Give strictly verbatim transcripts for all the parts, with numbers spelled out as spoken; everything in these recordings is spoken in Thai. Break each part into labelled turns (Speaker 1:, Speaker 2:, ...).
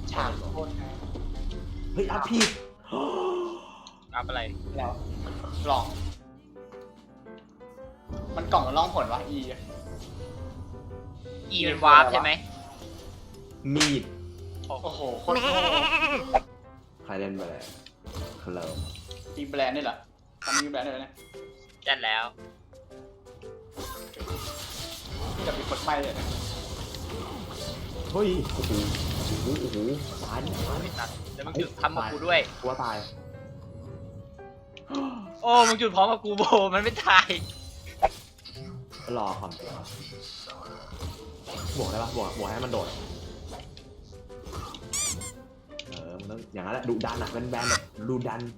Speaker 1: ฉากโคตรนะ
Speaker 2: เฮ้ยอัพพี่
Speaker 3: อัพอะไร
Speaker 1: แล้วกล่อง มันกล่องมันล่องผลวะ E
Speaker 3: อีเป็นวาร์ปใช่ไหม
Speaker 2: มีด
Speaker 1: โอ้โหโคตรโง่
Speaker 2: ใครเล่นไปเลยเคลม
Speaker 1: ตีแบรนด์นี่เหรอทำมีแบรนด์ด้วยนะ
Speaker 3: จัดแล้ว
Speaker 1: ที่จะมีคนไปเลยนะ
Speaker 2: เฮ้ยโอ้โหโอ้โหโอ้โหตายตาย
Speaker 3: ไม่ตัดแล้วมึงจุดทำกับกูด้วย
Speaker 2: กลัวตาย
Speaker 3: โอ้มึงจุดพร้อมกับกูโบมันไม่ตาย
Speaker 2: รอความบวกได้ปะบวกบวกให้มันโดดเออมันต้องอย่างนั้นแหละดุดันอ่ะเป็นแบนแบบดุดัน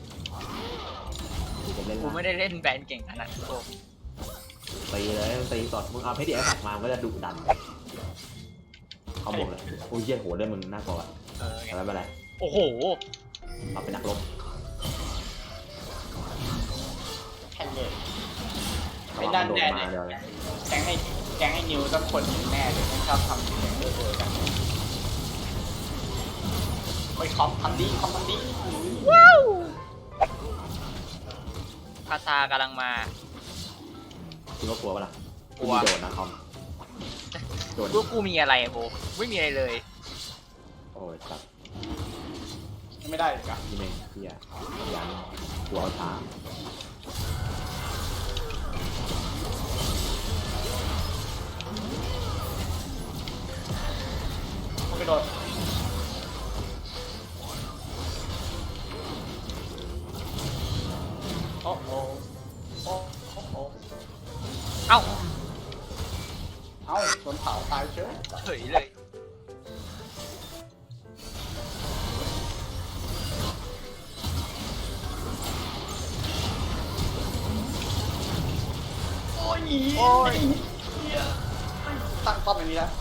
Speaker 2: จะเล่น
Speaker 3: กูไม่ได้เล่นแบนเก่งขนาดนั้นโบ
Speaker 2: ตีเลยตีสดมึงเอาเพชรดีไอ้สักมามันก็จะดุดันเขาบอกเลยโอ้ยเยี่ยโหได้มึงน่ากลัวอ่ะ
Speaker 3: เออไง
Speaker 2: แต่ไม่เป็นไร
Speaker 3: โอ้โห
Speaker 2: เราเป็นนักรบ
Speaker 1: แค่เลย
Speaker 2: ระวังมันโดดมาเดี๋ยวเลย
Speaker 1: แกงให้แกงให้นิวต้องคนแน่เลยไม่ชอบทำเสียงเออๆกันไปคอมทำดีคอมทำดี
Speaker 3: ว้าวคาซากำลังมา
Speaker 2: คิดว่ากลัวปะล่ะ
Speaker 3: กลัว
Speaker 2: โดดนะคอมโดด
Speaker 3: กูกูมีอะไรอะโบไม่มีอะไรเลย
Speaker 2: โอ้ยสัตว์
Speaker 1: ไม่ได้อีกอะ
Speaker 2: ที่เมงเฮียยันกลัวเอาช้า
Speaker 1: มันกระโดดโอ้โหโอ้โห
Speaker 3: เอ้า
Speaker 1: เอ้าโดนเผาตายเฉย
Speaker 3: เฉยเลย
Speaker 1: โอ้ยโอ้ยเหี้ยตั้งป้อมอย่างนี้นะ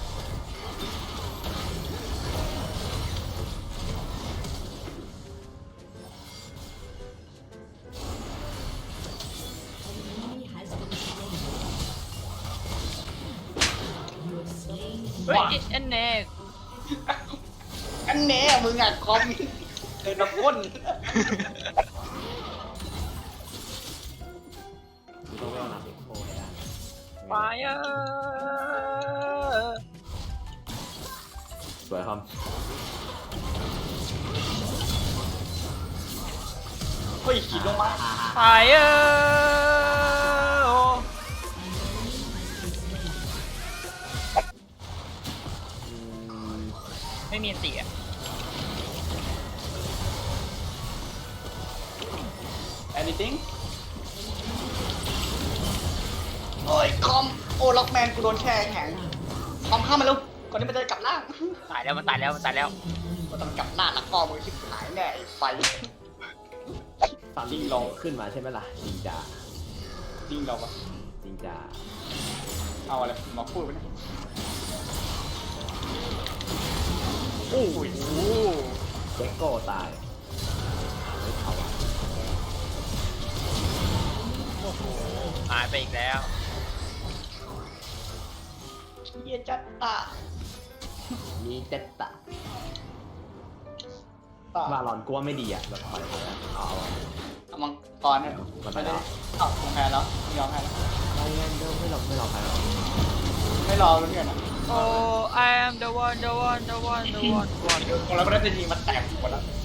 Speaker 3: เฮ้ยเอ็นเน่
Speaker 1: อันแน่มึงอ่ะคอมเดินมาก้น
Speaker 2: ต้องเล่นหนักอีกโอ้ยได้
Speaker 3: ไฟเออ
Speaker 2: สวยคอม
Speaker 1: เฮ้ยขีดลงมา
Speaker 3: ไฟเออ
Speaker 2: อืม
Speaker 3: ไม่มีอันติอ่ะ
Speaker 1: anything โอ้ยคอมโอ้ล็อกแมนกูโดนแช่แข็งคอมเข้ามาแล้วก่อนที่มันจะกลับล่าง
Speaker 3: ตายแล้วมันตายแล้วมันตายแล้ว
Speaker 1: มันต้องกลับหน้าแล้วก็มือชิบหายแน่ไอ้ไฟ
Speaker 2: ตอนนี้ลงขึ้นมาใช่ไหมล่ะจริงจ้า
Speaker 1: จริงเราปะ
Speaker 2: จริงจ้า
Speaker 1: เอาอะไรมาพูดไปเนี่ย
Speaker 3: โอ้ย
Speaker 2: เจ็กโก้ตายไม่เขาอะ
Speaker 3: โอ้โหหายไปอีกแล้ว
Speaker 1: เยี่ยจัดตา
Speaker 2: มีเจ็ตตะ
Speaker 1: ตา
Speaker 2: บาลอนกลัวไม่ดีอ่ะแบบปล่อยเลยเอาเอา
Speaker 1: เอามังกรเนี่ย
Speaker 2: มันไป
Speaker 1: ไม่
Speaker 2: แล้
Speaker 1: ได้
Speaker 2: ว
Speaker 1: เอ้าแพ้แล้วไม่ยอมแพ้แล้ว
Speaker 2: ไม่เล่นเดิมไม่หลอกไม่หลอกใครหรอก
Speaker 1: ไม่รอแล้วเนี่ยนะ
Speaker 3: โอ้ I am the one the one the one the one one
Speaker 1: ของเราก็ได้จะยิงมันแตกหมดแล้ว